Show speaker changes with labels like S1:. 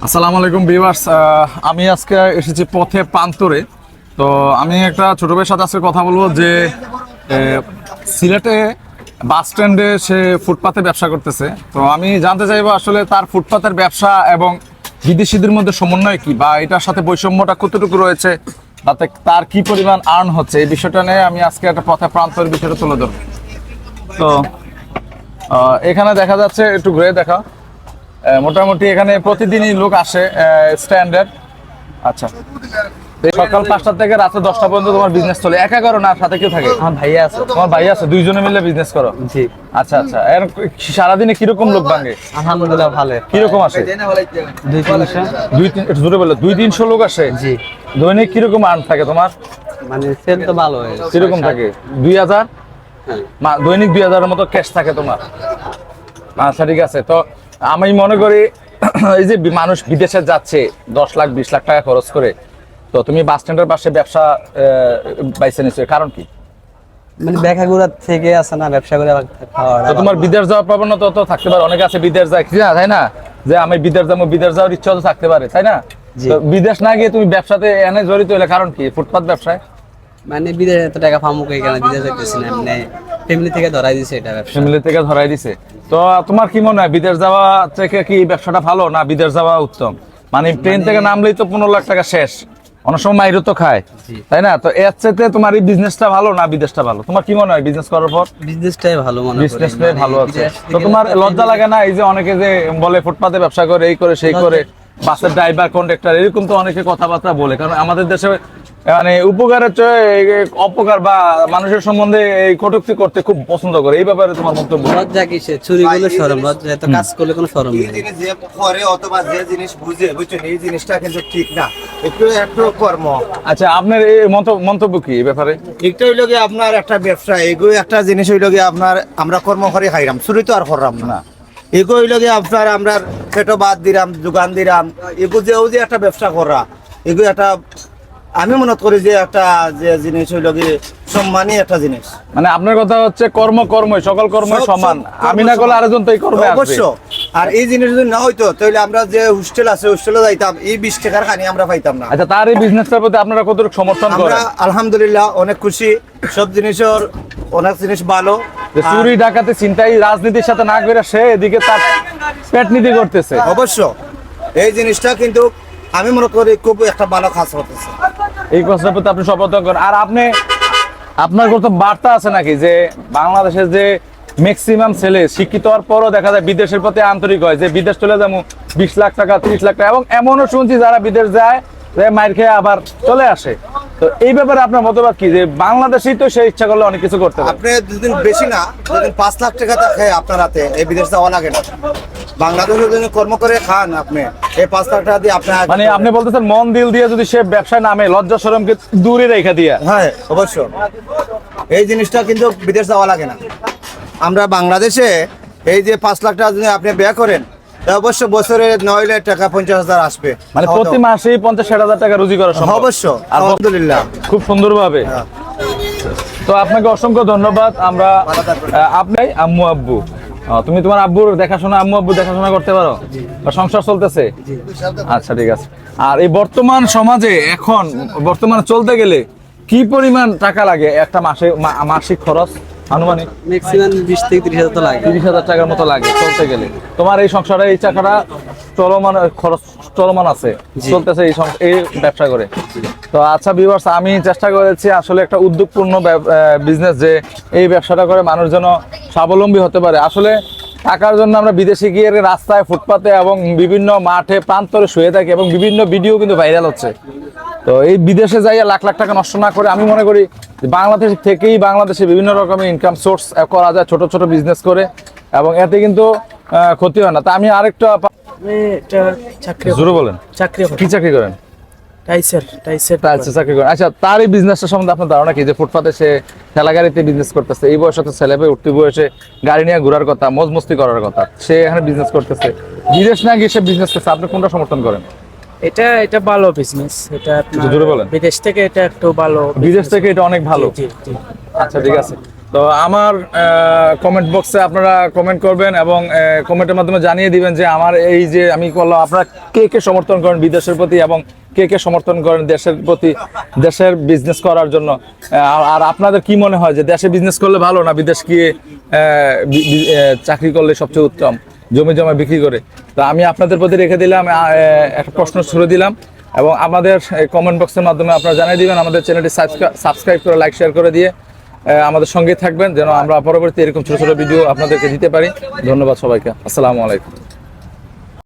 S1: আসসালামু আলাইকুম ভিউয়ার্স, আমি আজকে এসেছি পথে প্রান্তরে। তো আমি একটা ছোট ভাইয়ের সাথে আজকে কথা বলবো যে সিলেটে বাস স্ট্যান্ডে সে ফুটপাতে ব্যবসা করতেছে। তো আমি জানতে চাইবো আসলে তার ফুটপাতের ব্যবসা এবং বিদেশিদের মধ্যে সমন্বয় কি, বা এটার সাথে বৈষম্যটা কতটুকু রয়েছে, তাতে তার কি পরিমাণ আর্ন হচ্ছে, এই বিষয়টা নিয়ে আমি আজকে একটা পথে প্রান্তরের বিষয়টা তুলে ধরবো। তো এখানে দেখা যাচ্ছে, একটু ঘুরে দেখা, মোটামুটি এখানে প্রতিদিনই লোক আসে স্ট্যান্ডার্ড। আচ্ছা, সকাল 5টা থেকে রাতে 10টা পর্যন্ত তোমার বিজনেস চলে? একা করো না, সাথে কেউ থাকে?
S2: আমার ভাইয়া আছে।
S1: তোমার ভাই আছে, দুইজনে মিলে বিজনেস করো?
S2: জি।
S1: আচ্ছা আচ্ছা, এর সারাদিনে কিরকম লোক ভাঙে?
S2: আলহামদুলিল্লাহ ভালো।
S1: কিরকম আসে?
S2: 200-300।
S1: একটু জোরে বলো। 200-300 লোক আসে?
S2: জি।
S1: দৈনিক কিরকম আর্ন থাকে তোমার?
S2: মানে সেল তো ভালো হয়।
S1: কিরকম থাকে? 2000? দৈনিক 2000-এর মতো ক্যাশ থাকে তোমার? আচ্ছা ঠিক আছে। তো আমি মনে করি এই যে মানুষ বিদেশে যাচ্ছে 10 লাখ 20 লাখ টাকা খরচ করে, তো তুমি বাস স্ট্যান্ডের পাশে ব্যবসা বাইছে নিছো, কারণ কি?
S2: মানে বেকাগুড়া থেকে আছে না, ব্যবসা করে
S1: তো তোমার বিদেশ যাওয়ার প্রবণতা তো থাকতে পারে, অনেকে আছে বিদেশ যায় কি না, তাই না? যে আমি বিদেশ যাবো, বিদেশ যাওয়ার ইচ্ছা তো থাকতে পারে, তাই না? তো বিদেশ না গিয়ে তুমি ব্যবসাতে এনে জড়িত হলে কারণ কি? ফুটপাত ব্যবসায়
S2: মানে বিদেশে এত টাকা পামু কই, কেন বিদেশে যাইতেছি না, মানে ফ্যামিলি থেকে ধরাই দিছে এটা ব্যবসা।
S1: ফ্যামিলি থেকে ধরাই দিছে। তো তোমার কি মনে হয়, বিদেশ যাওয়া থেকে কি এই ব্যবসাটা ভালো, না বিদেশ যাওয়া উত্তম? মানে প্লেন থেকে নামলেই তো 15 লাখ টাকা শেষ, অনেক সময় মাইরও তো খায়, তাই না? তো এর চাইতে তোমার এই বিজনেসটা ভালো না বিদেশটা ভালো? তোমার কি মনে হয় বিজনেস করার পর?
S2: বিজনেসটাই ভালো মনে করি।
S1: বিজনেসটাই ভালো আছে। তো তোমার লজ্জা লাগে না, এই যে অনেকে যে বলে ফুটপাতে ব্যবসা করে, এই করে সেই করে, বাসের ড্রাইভার কন্ডাক্টর এরকম তো অনেকে কথাবার্তা বলে, কারণ আমাদের দেশে মানে উপকারের চেয়ে অপকার বা মানুষের সম্বন্ধে এই কটূক্তি করতে খুব পছন্দ করে। এই ব্যাপারে তোমার মন্তব্য?
S2: লজ্জা কিসে? চুরি করলে শরম, লজ্জা এত কাজ করলে কোনো শরম নেই।
S3: জিনিস যে করে অথবা যে জিনিস বুঝে, বুঝছেন, এই জিনিসটা কিন্তু ঠিক না। একটু একটু কর্ম।
S1: আচ্ছা, আপনার এই মন্তব্য কি এই ব্যাপারে?
S3: একটা হইলো গিয়ে আপনার একটা ব্যবসা, এগো একটা জিনিস হইলো গিয়ে আপনার আমরা কর্ম করে খাইলাম, চুরি তো আর করলাম না। এগো হইলো গিয়ে আপনার আমরা পেটো বাদ দিলাম, দোকান দিলাম, এগো যে একটা ব্যবসা করা, এগো একটা আমি মনে করি যে একটা যে জিনিস হইলো গিয়ে সম্মানী একটা জিনিস।
S1: মানে আপনার কথা হচ্ছে কর্মই সকল কর্মই সমান, আমি না করলে আরেকজন তো এই কর্মে আসবে।
S3: অবশ্য। আর এই জিনিস যদি না হইতো তাহলে আমরা যে হোস্টেল আছে হোস্টেলে যাইতাম, এই 20 টাকার খানি আমরা পাইতাম না।
S1: আচ্ছা, তার এই বিজনেসটার প্রতি আপনারা কতটুকু সমর্থন করেন?
S3: আমরা আলহামদুলিল্লাহ অনেক খুশি, সব জিনিসের অনেক জিনিস ভালো।
S1: যে চুরি ডাকাতি চিন্তাই রাজনীতির সাথে না করে সে এদিকে তার পেট নীতি করতেছে।
S3: অবশ্য এই জিনিসটা কিন্তু আমি মনে করি খুব একটা ভালো কাজ হতেছে।
S1: এই কথার প্রতি আপনি সমর্থন করেন। আর আপনার কোনো বার্তা আছে নাকি যে বাংলাদেশের যে ম্যাক্সিমাম ছেলে শিক্ষিত হওয়ার পরও দেখা যায় বিদেশের প্রতি আন্তরিক হয়, যে বিদেশ চলে যাবো 20 লাখ টাকা 30 লাখ টাকা, এবং এমনও শুনছি যারা বিদেশ যায় মাইর খেয়ে আবার চলে আসে। তো এই ব্যাপারে আপনার মতবাদ কি, যে বাংলাদেশেই তো সে ইচ্ছা করলে অনেক কিছু করতে পারে?
S3: আপনি দুদিন বেশি না, দুদিন 5 লাখ টাকা থাকে আপনার হাতে, এই বিদেশ যাওয়া লাগে না। বাংলাদেশে যদি কর্ম করে খান আপনি, এই 5 লাখ টাকা দিয়ে আপনার
S1: মানে আপনি বলতেছেন মন দিল দিয়ে যদি সে ব্যবসায় নামে, লজ্জা শরমকে দূরে রেখে দিয়া।
S3: হ্যাঁ অবশ্য, এই জিনিসটা কিন্তু বিদেশ যাওয়া লাগে না। আমরা বাংলাদেশে এই যে 5 লাখ টাকা যদি আপনি ব্যয় করেন, তা অবশ্য বছরে 9 লাখ টাকা 50,000 আসবে,
S1: মানে প্রতি মাসেই 50-60 টাকা রুজি করা সম্ভব।
S3: অবশ্য
S1: আর
S3: আলহামদুলিল্লাহ
S1: খুব সুন্দরভাবে। তো আপনাকে অসংখ্য ধন্যবাদ। আমরা আপনি আম্মু আব্বু, তুমি তোমার আব্বুর দেখাশোনা, আম্মু আব্বু দেখাশোনা করতে পারো, বা সংসার চলতেছে? আচ্ছা ঠিক আছে। আর এই বর্তমান সমাজে এখন বর্তমানে চলতে গেলে কি পরিমাণ টাকা লাগে একটা মাসিক খরচ আনুমানিক?
S2: ম্যাক্সিমাম 20 থেকে 30,000 তো লাগে।
S1: 30,000 টাকার মতো লাগে চলতে গেলে। তোমার এই সংসারে এই টাকাটা চলমান আছে, চলতেছে এই ব্যবসা করে। তো আচ্ছা ভিউয়ার্স, আমি চেষ্টা করেছি আসলে একটা উদ্যোগপূর্ণ বিজনেস, যে এই ব্যবসাটা করে মানুষ যেন স্বাবলম্বী হতে পারে। আসলে টাকার জন্য আমরা বিদেশে গিয়ে রাস্তায়, ফুটপাতে এবং বিভিন্ন মাঠে প্রান্তরে শুয়ে থাকি, এবং বিভিন্ন ভিডিও কিন্তু ভাইরাল হচ্ছে। তো এই বিদেশে যাইয়া লাখ লাখ টাকা নষ্ট না করে আমি মনে করি বাংলাদেশ থেকেই বাংলাদেশে বিভিন্ন রকমের ইনকাম সোর্স করা যায়, ছোট ছোট বিজনেস করে, এবং এতে কিন্তু ক্ষতি হয় না। তা আমি আরেকটা জোরে বলেন, কি চাকরি করেন? চাকরি করেন। আচ্ছা, তার এই বিজনেসটা সম্বন্ধে আপনার ধারণা কি, যে ফুটপাতে সে ঠেলা গাড়িতে বিজনেস করতেছে, এই বয়সে তো ছেলে পেয়ে উঠতি বয়সে গাড়ি নিয়ে ঘোরার কথা, মজ মস্তি করার কথা, সে এখানে বিজনেস করতেছে, বিদেশ না গিয়ে সে বিজনেস করছে, আপনি কোনটা সমর্থন করেন?
S4: এটা ভালো বিজনেস, এটা আপনার
S1: জোরে বলেন।
S4: বিদেশ থেকে এটা একটু ভালো,
S1: বিদেশ থেকে এটা অনেক ভালো।
S4: জি জি।
S1: আচ্ছা ঠিক আছে। তো আমার কমেন্ট বক্সে আপনারা কমেন্ট করবেন এবং কমেন্টের মাধ্যমে জানিয়ে দিবেন যে আমার এই যে আমি করলাম, আপনারা কে কে সমর্থন করেন বিদেশের প্রতি এবং কে কে সমর্থন করেন দেশের প্রতি, দেশের বিজনেস করার জন্য। আর আপনাদের কি মনে হয় যে দেশে বিজনেস করলে ভালো না বিদেশ গিয়ে চাকরি করলে সবচেয়ে উত্তম, জমি জমা বিক্রি করে? তো আমি আপনাদের প্রতি রেখে দিলাম, একটা প্রশ্ন ছুড়ে দিলাম এবং আমাদের কমেন্ট বক্সের মাধ্যমে আপনারা জানিয়ে দিবেন। আমাদের চ্যানেলটি সাবস্ক্রাইব করে লাইক শেয়ার করে দিয়ে আমাদের সঙ্গে থাকবেন, যেন আমরা পরবর্তী এরকম ছোট ছোট ভিডিও আপনাদেরকে দিতে পারি। ধন্যবাদ সবাইকে, আসসালামু আলাইকুম।